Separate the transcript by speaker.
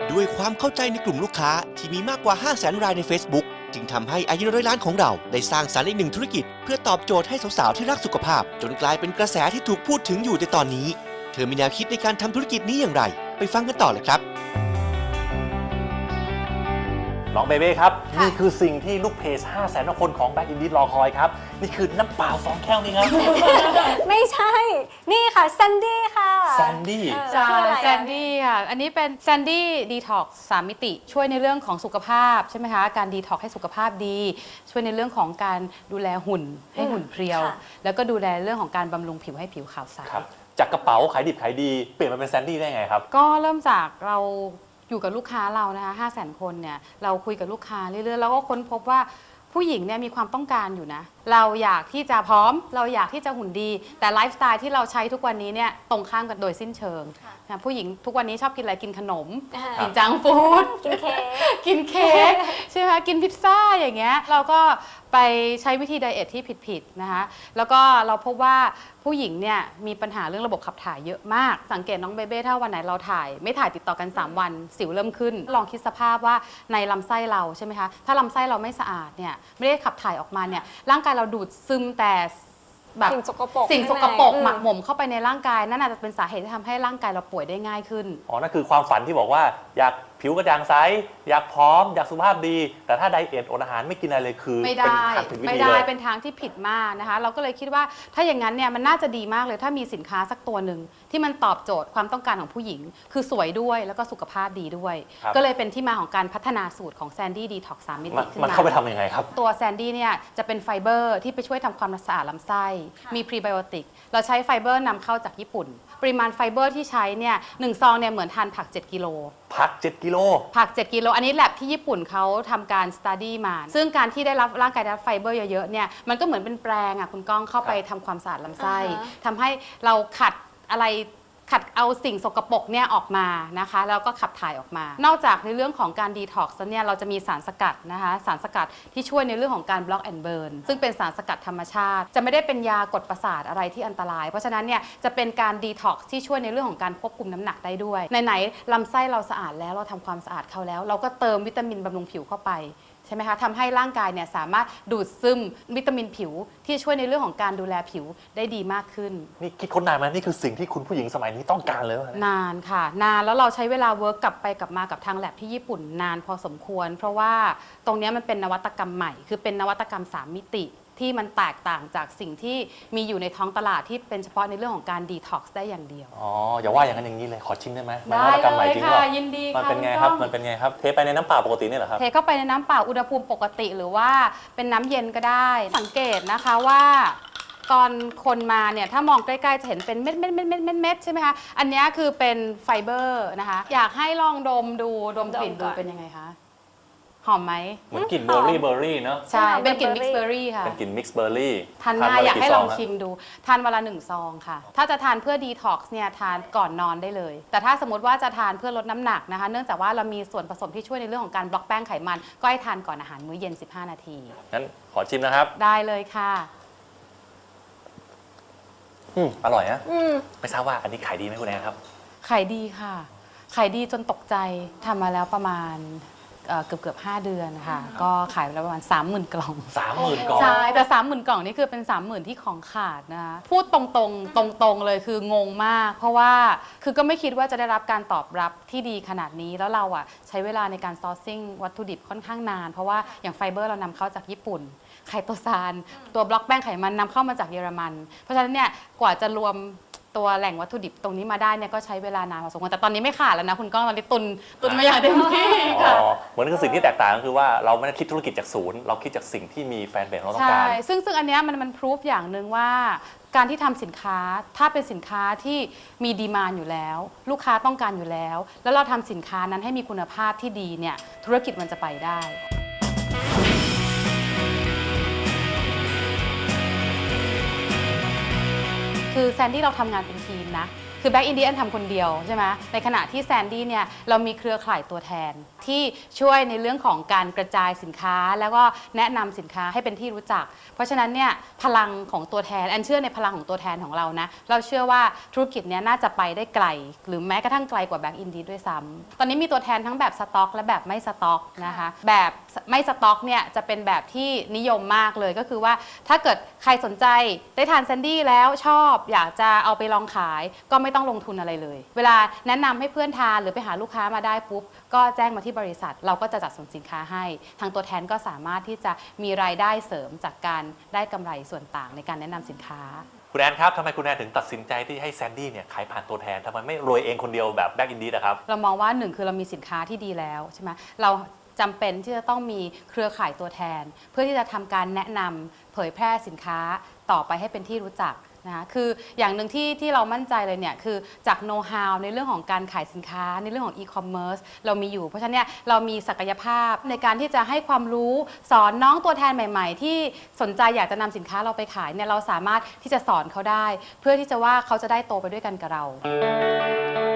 Speaker 1: ด้วยความเข้าใจในกลุ่มลูกค้าที่มีมากกว่า 500,000 รายใน Facebook จึงทำให้อายุน้อยร้านของเราได้สร้างสรรค์อีกหนึ่งธุรกิจเพื่อตอบโจทย์ให้สาวๆที่รักสุขภาพจนกลายเป็นกระแสที่ถูกพูดถึงอยู่ในตอนนี้เธอมีแนวคิดในการทำธุรกิจนี้อย่างไรไปฟังกันต่อเลยครับ
Speaker 2: น้องเบเบ้ครับนี่คือสิ่งที่ลูกเพจ 500,000 คนของแบ็คอินดี้รอคอยครับนี่คือน้ำเปล่า2 แก้วนี่ครับ
Speaker 3: ไม่ใช่ นี่ค่ะแซนดี้ค่ะ
Speaker 2: แซนดี้
Speaker 4: ใช่
Speaker 3: คืออะไรอะ
Speaker 4: แซนดี้ค่ะ อันนี้เป็นแซนดี้ดีท็อกซ์3 มิติ ช่วยในเรื่องของสุขภาพใช่ไหมคะ การดีท็อกซ์ให้สุขภาพดี ช่วยในเรื่องของการดูแลหุ่นให้หุ่นเพรียว
Speaker 3: ค่ะ
Speaker 4: แล้วก็ดูแลเรื่องของการบำรุงผิวให้ผิวขาวใส
Speaker 2: ครับจากกระเป๋าขายดิบขายดีเปลี่ยนมาเป็นแซนดี้ได้ไงครับ
Speaker 4: ก็เริ่มจากเราอยู่กับลูกค้าเรานะคะ500,000 คนเนี่ย เราคุยกับลูกค้าเรื่อยๆ แล้วก็ค้นพบว่าผู้หญิงเนี่ยมีความต้องการอยู่นะ เราอยากที่จะพร้อม เราอยากที่จะหุ่นดี แต่ไลฟ์สไตล์ที่เราใช้ทุกวันนี้เนี่ยตรงข้ามกันโดยสิ้นเชิงนะผู้หญิงทุกวันนี้ชอบกินอะไร กินขนม กินจังก์ฟู้ด
Speaker 3: กินเค้ก
Speaker 4: กินเค้กใช่ไหมคะกินพิซซ่าอย่างเงี้ยเราก็ไปใช้วิธีไดเอทที่ผิดๆนะคะแล้วก็เราพบว่าผู้หญิงเนี่ยมีปัญหาเรื่องระบบขับถ่ายเยอะมากสังเกตน้องเบเบ้ถ้าวันไหนเราถ่ายไม่ถ่ายติดต่อกัน 3 วันสิวเริ่มขึ้น ลองคิดสภาพว่าในลำไส้เราใช่ไหมคะถ้าลำไส้เราไม่สะอาดเนี่ยไม่ได้ขับถ่ายออกมาเนี่ยร่างกายเราดูดซึมแต่แบบ
Speaker 3: สิ่งสกปรก
Speaker 4: สิ่งสกปรก
Speaker 3: ข้างใน
Speaker 4: หมักหมมเข้าไปในร่างกายนั่นอาจจะเป็นสาเหตุที่ทำให้ร่างกายเราป่วยได้ง่ายขึ้น
Speaker 2: อ๋อ นั่นคือความฝันที่บอกว่าอยากผิวกระจ่างใสอยากพร้อมอยากสุขภาพดี แต่ถ้าไดเอทอดอาหารไม่กินอะไรเลยคือ
Speaker 4: ไม่
Speaker 2: เป็น
Speaker 4: ได้
Speaker 2: ทางผิดวิ
Speaker 4: ไม่
Speaker 2: ธี
Speaker 4: ได้
Speaker 2: เลย
Speaker 4: เป็นทางที่ผิดมากนะคะ เราก็เลยคิดว่าถ้าอย่างนั้นเนี่ยมันน่าจะดีมากเลยถ้ามีสินค้าสักตัวหนึ่งที่มันตอบโจทย์ความต้องการของผู้หญิง คือสวยด้วยแล้วก็สุขภาพดีด้วย
Speaker 2: ครับ
Speaker 4: ก็เลยเป็นที่มาของการพัฒนาสูตรของแซนดี้ดีท็อกซ์3 มิติขึ้น
Speaker 2: มัน
Speaker 4: มา
Speaker 2: เข้าไปทำยังไงครับ
Speaker 4: ตัวแซนดี้เนี่ยจะเป็นไฟเบอร์ที่ไปช่วยทำความสะอาดลำไส้ มีพรีไบโอติกเราใช้ไฟเบอร์นำเข้าจากญี่ปุ่น ปริมาณไฟเบอร์ที่ใช้เนี่ย1 ซองเนี่ยเหมือนทานผัก 7 กิโล
Speaker 2: พัก 7 กิโล
Speaker 4: ผัก 7 กิโล อันนี้แลบที่ญี่ปุ่นเขาทำการสต u d ดี้มา ซึ่งการที่ได้รับร่างกายได้รับไฟเบอร์เยอะๆ เนี่ย มันก็เหมือนเป็นแปรงอ่ะคุณก้องเข้าไปทำความสะอาดลำไส้
Speaker 3: อ่าฮะ
Speaker 4: ทำให้เราขัดอะไรขัดเอาสิ่งสกปรกเนี่ยออกมานะคะ แล้วก็ขับถ่ายออกมา นอกจากในเรื่องของการดีท็อกซ์เนี่ย เราจะมีสารสกัดนะคะ สารสกัดที่ช่วยในเรื่องของการบล็อกแอนด์เบิร์น ซึ่งเป็นสารสกัดธรรมชาติ จะไม่ได้เป็นยากดประสาทอะไรที่อันตราย เพราะฉะนั้นเนี่ยจะเป็นการดีท็อกซ์ที่ช่วยในเรื่องของการควบคุมน้ำหนักได้ด้วย ไหนๆลำไส้เราสะอาดแล้วเราทำความสะอาดเขาแล้ว เราก็เติมวิตามินบำรุงผิวเข้าไป ใช่ไหมคะทำให้ร่างกายเนี่ยสามารถดูดซึมวิตามินผิวที่ช่วยในเรื่องของการดูแลผิวได้ดีมากขึ้น
Speaker 2: นี่คิดค้นนานไหมนี่คือสิ่งที่คุณผู้หญิงสมัยนี้ต้องการเลยวะเนี่ย
Speaker 4: นานค่ะ นานแล้วเราใช้เวลาเวิร์กกลับไปกลับมากับทางแลบที่ญี่ปุ่นนานพอสมควร เพราะว่าตรงเนี้ยมันเป็นนวัตกรรมใหม่ คือเป็นนวัตกรรม 3 มิติที่มันแตกต่างจากสิ่งที่มีอยู่ในท้องตลาดที่เป็นเฉพาะในเรื่องของการดีท็อกซ์ได้อย่างเดียว
Speaker 2: อ๋อ อย่าว่าอย่างนั้นอย่างนี้เลย ขอชิมได้ไหมมันน
Speaker 4: ได้
Speaker 2: วัตกรรมใหม่
Speaker 4: เลย
Speaker 2: จริง
Speaker 4: ค่ะ
Speaker 2: เหรอ
Speaker 4: ยินดี
Speaker 2: มัน
Speaker 4: ค่ะ
Speaker 2: เป็นไง
Speaker 4: ณ
Speaker 2: ครับ
Speaker 4: ก้อง
Speaker 2: มันเป็นไงครับ เทไปในน้ำเปล่าปกตินี่เหรอครับ
Speaker 4: เทเข้าไปในน้ำเปล่าอุณหภูมิปกติหรือว่าเป็นน้ำเย็นก็ได้ สังเกตนะคะว่าตอนคนมาเนี่ยถ้ามองใกล้ๆจะเห็นเป็นเม็ดใช่ไหมคะ อันนี้คือเป็นไฟเบอร์นะคะ อยากให้ลองดมดูดมกลิ่น
Speaker 3: ดมก่
Speaker 4: ดู
Speaker 3: อน
Speaker 4: เป็นยังไงคะ หอมไหม
Speaker 2: เหมือนกลิ่นเบอร์รี่เนอะ
Speaker 4: ใช่ เป็นกลิ่น
Speaker 3: เบ
Speaker 4: มิ
Speaker 3: อก ร์
Speaker 4: ซ์
Speaker 3: รี่
Speaker 4: เบอร์รี่ค่ะ
Speaker 2: เป็นกลิ่นมิกซ์เบอร์รี่
Speaker 4: ทานง่ายอยากให้ลองชิ
Speaker 2: ม
Speaker 4: มดู ทานวันละ1 ซองค่ะ ถ้าจะทานเพื่อดีท็อกซ์เนี่ยทานก่อนนอนได้เลย แต่ถ้าสมมติว่าจะทานเพื่อลดน้ำหนักนะคะ เนื่องจากว่าเรามีส่วนผสมที่ช่วยในเรื่องของการบล็อกแป้งไขมัน ก็ให้ทานก่อนอาหารมื้อเย็น 15 นาที
Speaker 2: งั้นขอชิมนะครับ
Speaker 4: ได้เลยค่ะ
Speaker 2: อร่อยนะ
Speaker 3: อืม
Speaker 2: ไม่ทราบว่าอันนี้ขายดีไหมคุณแอนครับ
Speaker 4: ขายดีค่ะ ขายดีจนตกใจทำมาแล้วประมาณเกือบ5 เดือนนะคะก็ขายไปแล้วประมาณ 30,000 กล่อง
Speaker 2: 30,000 กล่อง
Speaker 4: ใช่ แต่ 30,000 กล่องนี่คือเป็น 30,000 ที่ของขาดนะคะพูดตรงๆเลยคืองงมาก เพราะว่าคือก็ไม่คิดว่าจะได้รับการตอบรับที่ดีขนาดนี้ แล้วเราอ่ะใช้เวลาในการซอร์ซิ่งวัตถุดิบค่อนข้างนาน เพราะว่าอย่างไฟเบอร์เรานำเข้าจากญี่ปุ่น ไคโตซานตัวบล็อกแป้งไขมันนำเข้ามาจากเยอรมัน เพราะฉะนั้นเนี่ยกว่าจะรวมตัวแหล่งวัตถุดิบตรงนี้มาได้เนี่ยก็ใช้เวลานานพอสมควรแต่ตอนนี้ไม่ขาดแล้วนะคุณก้องตอนนี้ตุนมาอย่างเต็มที่
Speaker 2: อ๋
Speaker 4: ค่ะ
Speaker 2: อ เหมือนคือสิ่งที่แตกต่างก็คือว่าเราไม่ได้คิดธุรกิจจากศูนย์ เราคิดจากสิ่งที่มีแฟนเบสเราต้อง
Speaker 4: ใช่
Speaker 2: การ
Speaker 4: ซึ่งอันเนี้ยมันพรูฟอย่างหนึ่งว่าการที่ทำสินค้าถ้าเป็นสินค้าที่มีดีมานอยู่แล้ว ลูกค้าต้องการอยู่แล้ว แล้วเราทำสินค้านั้นให้มีคุณภาพที่ดีเนี่ยธุรกิจมันจะไปได้ คือแซนดี้เราทำงานเป็นทีมนะคือแบ็กอินดี้ทำคนเดียวใช่ไหมในขณะที่แซนดี้เนี่ยเรามีเครือข่ายตัวแทนที่ช่วยในเรื่องของการกระจายสินค้าแล้วก็แนะนำสินค้าให้เป็นที่รู้จักเพราะฉะนั้นเนี่ยพลังของตัวแทนแอนเชื่อในพลังของตัวแทนของเรานะเราเชื่อว่าธุรกิจเนี้ยน่าจะไปได้ไกลหรือแม้กระทั่งไกลกว่าแบ็กอินดี้ด้วยซ้ำตอนนี้มีตัวแทนทั้งแบบสต็อกและแบบไม่สต็อกนะคะแบบไม่สต็อกเนี่ยจะเป็นแบบที่นิยมมากเลยก็คือว่าถ้าเกิดใครสนใจได้ทานแซนดี้แล้วชอบอยากจะเอาไปลองขายก็ไม่ต้องลงทุนอะไรเลยเวลาแนะนำให้เพื่อนทานหรือไปหาลูกค้ามาได้ปุ๊บก็แจ้งมาที่บริษัทเราก็จะจัดส่งสินค้าให้ทางตัวแทนก็สามารถที่จะมีรายได้เสริมจากการได้กำไรส่วนต่างในการแนะนำสินค้า
Speaker 2: คุณแอนครับทำไมคุณแอนถึงตัดสินใจที่ให้แซนดี้เนี่ยขายผ่านตัวแทนทำไมไม่รวยเองคนเดียวแบบแบ็กอินดี้นะครับ
Speaker 4: เรามองว่าหนึ่งคือเรามีสินค้าที่ดีแล้วใช่ไหมเราจำเป็นที่จะต้องมีเครือข่ายตัวแทนเพื่อที่จะทำการแนะนำเผยแพร่สินค้าต่อไปให้เป็นที่รู้จักนะคะคืออย่างหนึ่งที่เรามั่นใจเลยเนี่ยคือจากโน้ตฮาวในเรื่องของการขายสินค้าในเรื่องของอีคอมเมิร์ซเรามีอยู่เพราะฉะนั้นเนี่ยเรามีศักยภาพในการที่จะให้ความรู้สอนน้องตัวแทนใหม่ๆที่สนใจอยากจะนำสินค้าเราไปขายเนี่ยเราสามารถที่จะสอนเขาได้เพื่อที่จะว่าเขาจะได้โตไปด้วยกันกับเรา